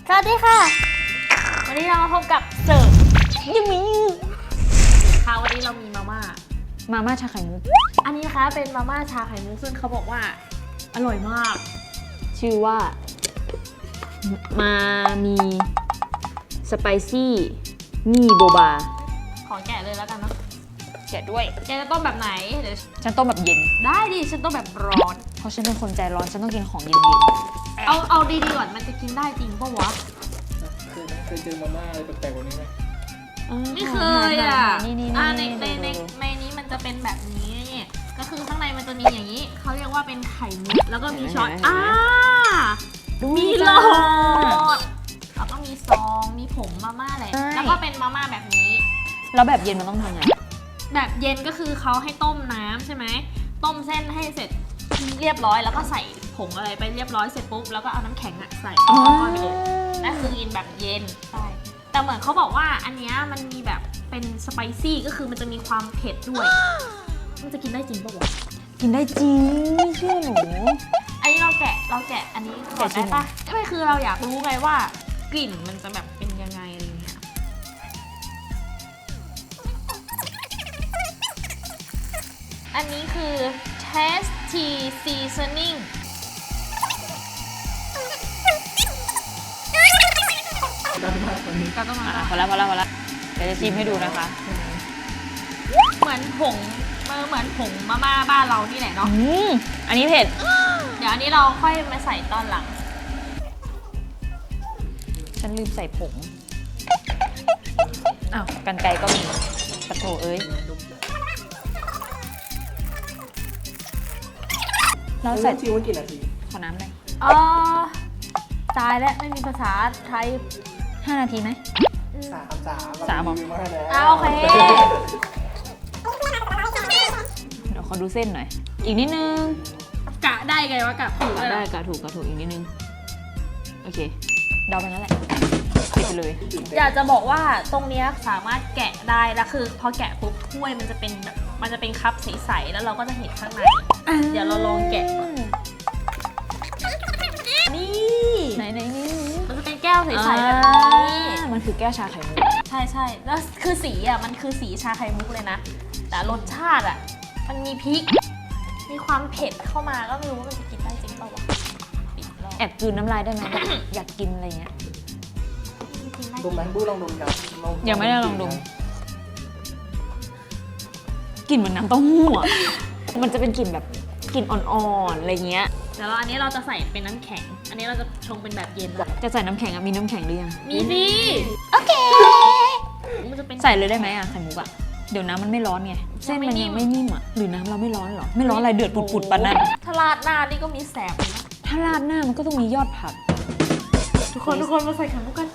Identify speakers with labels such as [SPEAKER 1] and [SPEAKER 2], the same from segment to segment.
[SPEAKER 1] สวัสดีค่ะวันนี้เรามาพบกับเสิร์ฟยังมีค่ะวันนี้เรามีมาม่าชาไข่มุกอันนี้นะคะเป็นมาม่าชาไข่มุกซึ่งเขาบอกว่าอร่อยมาก
[SPEAKER 2] ชื่อว่ามามีสไปซี่นี่โบบา
[SPEAKER 1] ขอแกะเลยแล้วกันเนาะ
[SPEAKER 2] แกะด้วย
[SPEAKER 1] แกจะต้มแบบไหนเดี๋ยว
[SPEAKER 2] ฉันต้มแบบเย็น
[SPEAKER 1] ได้ดิฉันต้มแบบร้อน
[SPEAKER 2] เพราะฉันเป็นคนใจร้อนฉันต้องกินของเย็น
[SPEAKER 1] เอาดีๆก่อนมันจะกินได้จริงปะวะ
[SPEAKER 3] เคยเจอมาม่าอะไรแปลกๆกว่านี้ไหม
[SPEAKER 1] ไม่เคยอ่ะในนี้มันจะเป็นแบบนี้ก็คือข้างในมันจะมีอย่างนี้เขาเรียกว่าเป็นไข่มุกแล้วก็มีช้อนมีหลอดแล้วก็มีซองมีผงมาม่าอะไรแล้วก็เป็นมาม่าแบบนี้
[SPEAKER 2] แล้วแบบเย็นมันต้องทำไง
[SPEAKER 1] แบบเย็นก็คือเขาให้ต้มน้ำใช่ไหมต้มเส้นให้เสร็จเรียบร้อยแล้วก็ใส่ผงอะไรไปเรียบร้อยเสร็จปุ๊บแล้วก็เอาน้ำแข็งใส่ก้อนไปเลยนั่นคือกินแบบเย็นใช่แต่เหมือนเขาบอกว่าอันนี้มันมีแบบเป็นสไปซี่ก็คือมันจะมีความเผ็ดด้วยมันจะกินได้จริงปะวะ
[SPEAKER 2] กินได้จริงไม่เชื่อหนู
[SPEAKER 1] อันนี้เราแกะอันนี้ก่อนได้ปะไม่คือเราอยากรู้ไงว่ากลิ่นมันจะแบบเป็นยังไงอะไรเงี้ยอันนี้คือ tasty seasoning ก็ต้องมา
[SPEAKER 2] พอแล้วเดี๋ยวจะชิมให้ดูนะคะ
[SPEAKER 1] เหมือนผงมาม่าบ้านเรานี่แหละเนาะ
[SPEAKER 2] อันนี้เผ็ด
[SPEAKER 1] เดี๋ยวอันนี้เราค่อยมาใส่ตอนหลัง
[SPEAKER 2] ฉันลืมใส่ผงอ้าวกรรไกรก็มีปะโถเอ้ย
[SPEAKER 3] เราใส่ชิมว่ากี่นาที
[SPEAKER 2] ขอน้ำหน่อย
[SPEAKER 1] ตายแล้วไม่มีภาษาไทย
[SPEAKER 2] 5 นาทีไหม
[SPEAKER 3] สาม
[SPEAKER 1] โอเค
[SPEAKER 2] เดี๋ยวขอดูเส้นหน่อยอีกนิดนึง
[SPEAKER 1] กะได้ไงวะกะถูก
[SPEAKER 2] ได้กะถูกอีกนิดนึงโอเคเดาไปนั่นแหละปิดไปเลย
[SPEAKER 1] อยากจะบอกว่าตรงนี้สามารถแกะได้แล้วคือพอแกะปุ๊บถ้วยมันจะเป็นคัพใสๆแล้วเราก็จะเห็นข้างในเดี๋ยวเราลองแกะก่อนนี่
[SPEAKER 2] ไหนนี่
[SPEAKER 1] มันจะเป็นแก้วใสๆแบบนี้
[SPEAKER 2] มันคือแก้วชาไข่มุก
[SPEAKER 1] ใช่แล้วคือสีมันคือสีชาไข่มุกเลยนะแต่รสชาติมันมีพริกมีความเผ็ดเข้ามาก็ไม่รู้ว่ามันจะกินได้จริงเปล่าวะ
[SPEAKER 2] แอบกลืนน้ำลายได้ไหมอยากกินอะไรเงี้ย
[SPEAKER 3] ดมไหมบู้ลองดม
[SPEAKER 2] ยังไม่ได้ลองดมกลิ่นเหมือนน้ำเต้าหู้มันจะเป็นกลิ่นแบบกลิ่นอ่อนๆอะไรเงี้ย
[SPEAKER 1] แต่อันนี้เราจะใส่เป็นน้ำแข็งอันนี้เราจะชงเป็นแบบเย็น
[SPEAKER 2] จะใส่น้ำแข็งมีน้ำแข็งหรือยัง
[SPEAKER 1] มีสิโอเค
[SPEAKER 2] ใส่เลยได้ไหมไข่มุกเดี๋ยวน้ำมันไม่ร้อนไงเส้นมันยังไม่นิ่มหรือน้ำเราไม่ร้อนหรอไม่ร้อนอะไรเดือดปุดๆปะนั่น
[SPEAKER 1] ถ้าราดหน้านี่ก็มีแสบนะ
[SPEAKER 2] ถ้าราดหน้ามันก็ต้องมียอดผัก
[SPEAKER 1] ทุกคนมาใส่ไข่มุกกัน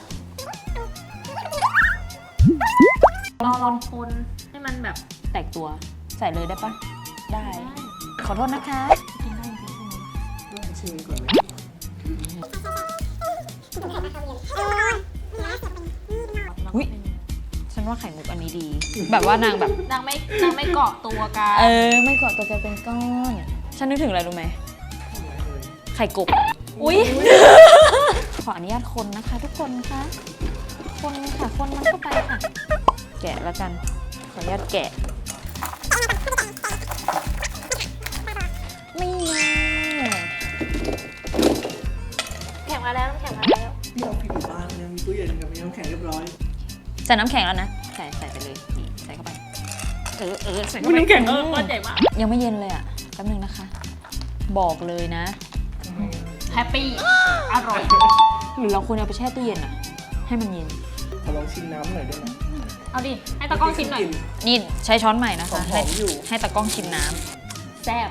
[SPEAKER 1] ลองคนให้มันแบบ
[SPEAKER 2] แตกตัวใส่เลยได้ปะได้ขอโทษนะคะ
[SPEAKER 1] กินได้จริง
[SPEAKER 3] ๆชิมก่อนเลย
[SPEAKER 2] อุ๊ยฉันว่าไข่มุกอันนี้ดีแบบว่านาง
[SPEAKER 1] ไม่เกาะตัวกัน
[SPEAKER 2] ไม่เกาะตัวกันเป็นก้อนฉันนึกถึงอะไรรู้ไหมไข่กบ
[SPEAKER 1] อุ๊ย
[SPEAKER 2] ขออนุญาตคนนะคะทุกคนคะคนค่ะคนมันเข้าไปค่ะแกะแล้วกันขออนุญาตแกะไม่แน่
[SPEAKER 1] แข็งมาแล้วน้ำแข็งมาแล้ว
[SPEAKER 3] เราผิดบ้านยังมีตู้เย็นกับมีน้ำแข็งเรียบร้อย
[SPEAKER 2] ใส่น้ำแข็งแล้วนะใส่ไปเลยนี่ใส่เข้าไปใส่เข้าไป
[SPEAKER 1] น้ำแข็งก้อนใหญ่มาก
[SPEAKER 2] ยังไม่เย็นเลยแป๊บนึงนะคะบอกเลยนะ
[SPEAKER 1] แฮปปี้อร่อย
[SPEAKER 2] หรือเราควรเอาไปแช่ตู้เย็นให้มันเย็น
[SPEAKER 3] ขอลองชิมน้ำหน่อยได้ไหม
[SPEAKER 1] เอาดิให้ตากล้องชิมหน่อย
[SPEAKER 2] นี่ใช้ช้อนใหม่นะคะให้ตากล้องชิมน้
[SPEAKER 1] ำแซ่บ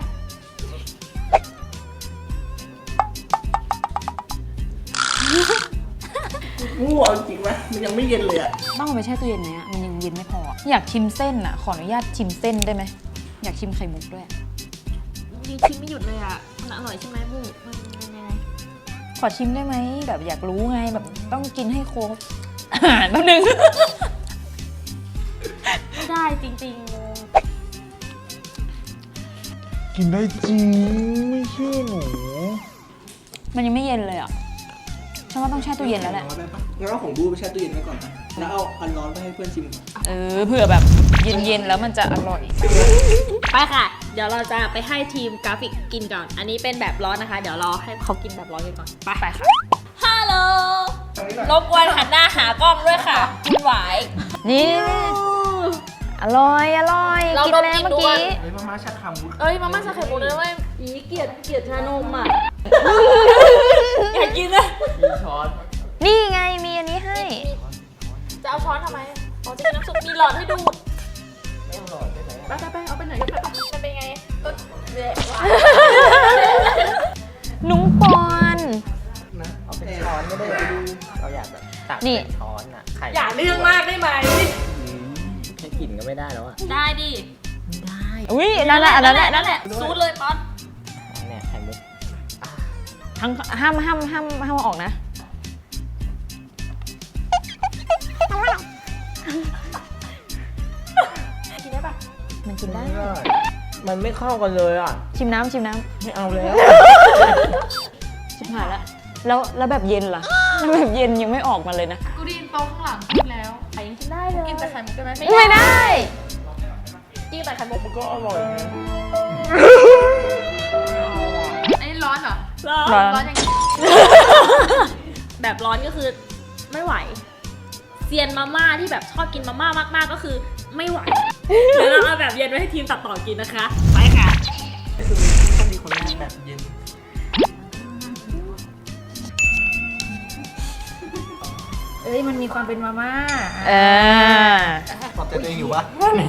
[SPEAKER 3] งูเอาจริงไหมมันยังไม่เย็นเลย
[SPEAKER 2] ต้องเอาไปแช่ตู้เย็นไหมมันยังเย็นไม่พออยากชิมเส้นขออนุญาตชิมเส้นได้ไหมอยากชิมไข่มุกด้วย
[SPEAKER 1] ดีชิมไม่หยุดเลยมันอร่อยใช่ไหมบูมันยังไง
[SPEAKER 2] ขอชิมได้ไหมแบบอยากรู้ไงแบบต้องกินให้ครบอาหารแป๊บนึง
[SPEAKER 1] ไม่ได้จริง
[SPEAKER 3] ๆกินได้จริงไม่เชื่อหนู
[SPEAKER 2] มันยังไม่เย็นเลยฉันว่าต้องแช่ตู้เย็นแล้วแหละ
[SPEAKER 3] ร้อนได้ปะงั้นเอาของบูไปแช่ตู้เย็นไว้ก่อนนะแล้วเอาอันร้อนไปให้เพื่อนชิมก่อน
[SPEAKER 2] เผื่อแบบเย็นๆแล้วมันจะอร่อย
[SPEAKER 1] ไปค่ะ เดี๋ยวเราจะไปให้ทีมกราฟิกกินก่อน อันนี้เป็นแบบร้อนนะคะ เดี๋ยวรอให้เขากินแบบร้อนกันก่อน ไปค่ะ ฮัลโหล
[SPEAKER 3] ตรงนี้หน่อย
[SPEAKER 1] รบกวนหันหน้าหากล้องด้วยค่ะ คุณหวาย
[SPEAKER 2] นี่อร่อย
[SPEAKER 1] เรา
[SPEAKER 2] กินแล้ว
[SPEAKER 1] ดมกลิ่น
[SPEAKER 2] เมื่อ
[SPEAKER 1] ดู
[SPEAKER 2] กี้
[SPEAKER 3] เฮ้ยมาม่าชักคำมุด
[SPEAKER 1] เอ้ยมาม่าชาไข่มุกเลยนะเว้ยอีเกลียดชานมอ่ะ อยากกินเลย
[SPEAKER 3] มีช้อน
[SPEAKER 2] นี่ไงมีอันนี้ให้
[SPEAKER 1] จะเอาช้อนทำไมอ๋อจะกินน้ำซุปมีหลอดให้ดูด
[SPEAKER 3] ไม่เอาหลอดได้ไหม
[SPEAKER 1] ไปเอาไปไหนก็ไปมันเป็นไงเละ
[SPEAKER 2] นุ้งปอน
[SPEAKER 3] นะ
[SPEAKER 4] เอาเป็นช้อนก็ได้เราอยากแบบตัก
[SPEAKER 2] นี่
[SPEAKER 4] เป็นช้อนอ่ะไข่
[SPEAKER 1] อย่าเรื่องมากได้ไหม
[SPEAKER 4] แค่กลิ่นก็ไม่ได้แล้วอ่ะ
[SPEAKER 1] ได้ดิ
[SPEAKER 4] ได้
[SPEAKER 2] อุ้ยนั่นแหละนั่นแหละ
[SPEAKER 1] ซูดเลยป๊อต
[SPEAKER 4] เนี่ยไข่มุก
[SPEAKER 2] ทั้งห้ามออกนะ
[SPEAKER 1] กินได้ปะ
[SPEAKER 2] มันกินได้
[SPEAKER 4] ไม่ได้มันไม่เข้ากันเลยอ่ะ
[SPEAKER 2] ชิมน้ำ
[SPEAKER 4] ไม่เอาแล้ว
[SPEAKER 2] ชิมหายละแล้วแบบเย็นล่ะแล้วแบบเย็นยังไม่ออกมาเลยนะ
[SPEAKER 1] กูได้ยินโต๊ะข้างหลังพูดแล้วไข่ยังกินได้เลยกินแต่ไข่มุกได้ไหม
[SPEAKER 2] ไม่ได้
[SPEAKER 1] กินแต่ไข่มุก
[SPEAKER 3] มันก็อร่อยนะ
[SPEAKER 1] อันนี้ร้อนเหรอ
[SPEAKER 2] ร้อน
[SPEAKER 1] ร้อนอย่างนี้ แบบร้อนก็คือไม่ไหวเซียนมาม่าที่แบบชอบกินมาม่ามากๆก็คือไม่ไหวเดี๋ยวเราเอาแบบเย็นไว้ให้ทีมตัดต่อกินนะคะ ไปค่ะ
[SPEAKER 3] คือต้องมีคนแรกแบบเย็น
[SPEAKER 1] เอ้ยมันมีความเป็นมาม่า
[SPEAKER 3] ปลอบใจตัวเองอยู่วะ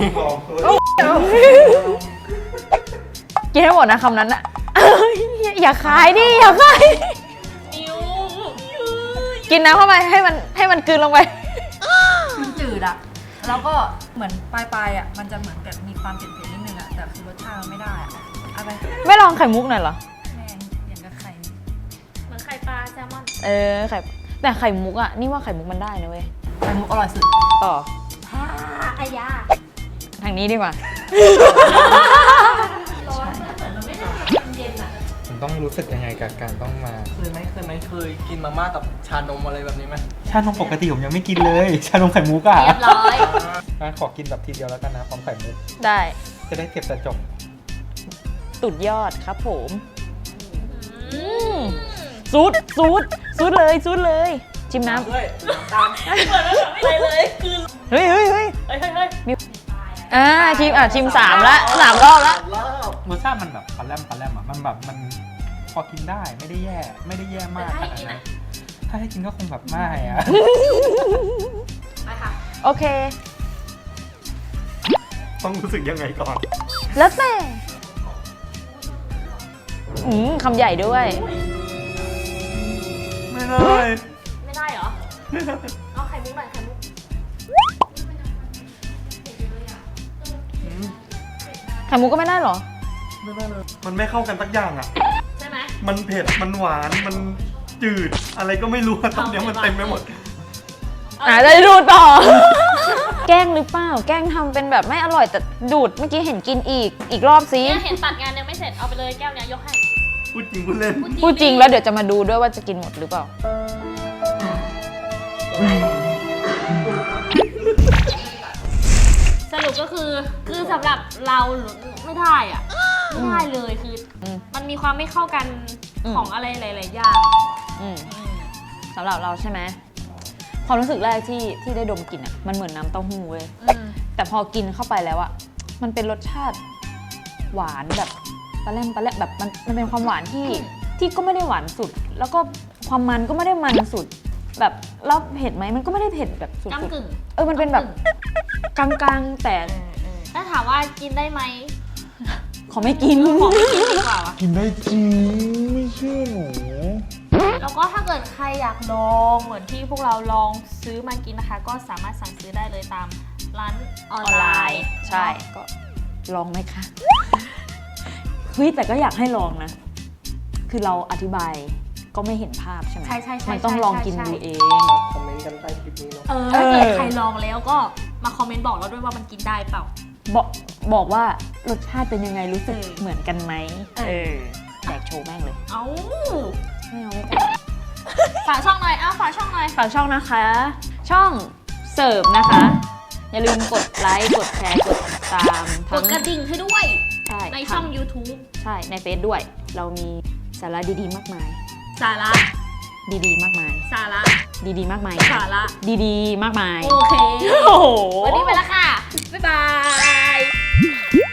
[SPEAKER 2] กินให้หมดนะคำนั้นอะอย่าขายดิอย่าขาย
[SPEAKER 1] นิว
[SPEAKER 2] กินน้ำเข้าไปให้มันกลืนลงไป
[SPEAKER 5] มันจืดอะแล้วก็เหมือนปลายๆอะมันจะเหมือนแบบมีความเผ็ดๆนิดนึงอะแต่คือรสชาติมันไม่ได้อะเอาไป
[SPEAKER 2] ไม่ลองไข่มุกหน่อยเหรอ
[SPEAKER 5] แม่งอย่างกับไข่
[SPEAKER 1] เหมือนไข่ปลาแซลมอน
[SPEAKER 2] แต่ไข่มุกอะนี่ว่าไข่มุกมันได้นะเว้ย
[SPEAKER 5] ไข่มุกอร่อยสุด
[SPEAKER 2] ต่อ
[SPEAKER 1] อายา
[SPEAKER 2] ทางนี้ดีกว่า
[SPEAKER 1] ร้อนแต่มันไม่ได้เย็นอ่ะ
[SPEAKER 6] มันต้องรู้สึกยังไงกับการต้องมา
[SPEAKER 3] เคยกินมาม่ากับชานมอะไรแบบนี้ไหม
[SPEAKER 6] ชานมปกติผมยังไม่กินเลย ชานมไข่มุกอ่ะ
[SPEAKER 1] เรียบร้อย
[SPEAKER 6] ขอกินแบบทีเดียวแล้วกันนะพร้อมไข่มุก
[SPEAKER 2] ได้
[SPEAKER 6] จะได้เก็บแต่จบ
[SPEAKER 2] สุดยอดครับผมซูดเลยชิมน้ำ
[SPEAKER 3] ด้วยตาม
[SPEAKER 1] เหมือนแบบไม่อะไรเลยคือ
[SPEAKER 2] เฮ้ย
[SPEAKER 1] เฮ้ยเฮ้ย
[SPEAKER 2] ชิม3 ละ3 รอบละ
[SPEAKER 3] รอบ
[SPEAKER 6] รสชาติมันแบบปลาแรมอ่ะ มันแบบมันพอกินได้ไม่ได้แย่มากขนาดนั้นถ้าให้กินก็คงแบบไม่อะ
[SPEAKER 1] ไปค่ะ
[SPEAKER 2] โอเค
[SPEAKER 6] ต้องรู้สึกยังไงก่อน
[SPEAKER 2] แล้วแต่คำใหญ่ด้วย
[SPEAKER 6] ไม่ได้
[SPEAKER 1] ไม่ได้เหรอ เอาไข่มุกหน่อยไข่มุก
[SPEAKER 2] ไข่มุกก็ไม่ได้เหรอ
[SPEAKER 6] ไม่ได้เลย มันไม่เข้ากันสักอย่างอ่ะ
[SPEAKER 1] ใช่ไหม
[SPEAKER 6] มันเผ็ด มันหวาน มันจืด อะไรก็ไม่รู้อะตอนเนี้ยมันเต็มไปหมด
[SPEAKER 2] จะดูต่อ แกล้งหรือเปล่า แกล้งทำเป็นแบบไม่อร่อยแต่ดูดเมื่อกี้เห็นกินอีกรอบซิ
[SPEAKER 1] เนี่ยเห็นตัดงานยังไม่เสร็จ เอาไปเลยแก้วเนี้ยยกให้
[SPEAKER 6] พูดจริงพูดเล่น
[SPEAKER 2] พูดจริงแล้วเดี๋ยวจะมาดูด้วยว่าจะกินหมดหรือเปล่า
[SPEAKER 1] สรุปก็คือสำหรับเราไม่ได้อ่ะ ไม่ได้เลยคืออ
[SPEAKER 2] ม
[SPEAKER 1] มันมีความไม่เข้ากัน
[SPEAKER 2] อืม
[SPEAKER 1] ของอะไรหลายๆอย่าง
[SPEAKER 2] อืมสำหรับเราใช่ไหมความรู้สึกแรกที่ได้ดมกลิ่นอ่ะมันเหมือนน้ำเต้าหู้เว้ยแต่พอกินเข้าไปแล้วอ่ะมันเป็นรสชาติหวานแบบปลาแรมแบบมันเป็นความหวานที่ก็ไม่ได้หวานสุด แล้วก็ความมันก็ไม่ได้มันสุด แบบแล้วเผ็ดไหมมันก็ไม่ได้เผ็ดแบบสุด
[SPEAKER 1] ก้ำกึ่ง
[SPEAKER 2] ๆมันเป็นแบบกลางๆแต่
[SPEAKER 1] ถ้าถามว่ากินได้ไหม
[SPEAKER 2] ขอไม่กิน
[SPEAKER 1] ขอไม่กินดีกว่าวะ
[SPEAKER 6] กินได้จริง ไม่เชื่อหนู
[SPEAKER 1] แล้วก็ถ้าเกิดใครอยากลองเหมือนที่พวกเราลองซื้อมากินนะคะ ก็สามารถสั่งซื้อได้เลยตามร้านออนไลน์
[SPEAKER 2] ใช่ก็ลองไหมคะเฮ้ยแต่ก็อยากให้ลองนะ คือเราอธิบายก็ไม่เห็นภาพใช่ไหม
[SPEAKER 1] ใช่ใช่
[SPEAKER 2] มันต้องลองกินดูเอง
[SPEAKER 3] คอมเมนต์กันใต้คลิปนี้เนาะ
[SPEAKER 1] ถ้าเกิดใครลองแล้วก็มาคอมเมนต์บอกเราด้วยว่ามันกินได้เปล่า
[SPEAKER 2] บอกว่ารสชาติเป็นยังไงรู้สึกเหมือนกันไหม
[SPEAKER 1] เออ
[SPEAKER 2] แดกโชว์แม่งเลย
[SPEAKER 1] เอ้า
[SPEAKER 2] ไม่เอาไม่กล้า
[SPEAKER 1] ฝากช่องหน่อย
[SPEAKER 2] ฝากช่องนะคะ ช่องเสิร์ฟนะคะ อย่าลืมกดไลค์กดแชร์กดติดตาม
[SPEAKER 1] กดกระดิ่งให้ด้วย
[SPEAKER 2] ใช่
[SPEAKER 1] ในช่อง YouTube
[SPEAKER 2] ใช่ในเฟซด้วย เรามีสาระดีๆมากมาย
[SPEAKER 1] สาระ
[SPEAKER 2] ดีๆมากมาย
[SPEAKER 1] สาระ
[SPEAKER 2] ดีๆมากมาย
[SPEAKER 1] สาระ
[SPEAKER 2] ดีๆมากมาย
[SPEAKER 1] โอเค
[SPEAKER 2] โอ้โห
[SPEAKER 1] วันนี้ไปแล้วค่ะ บ๊ายบาย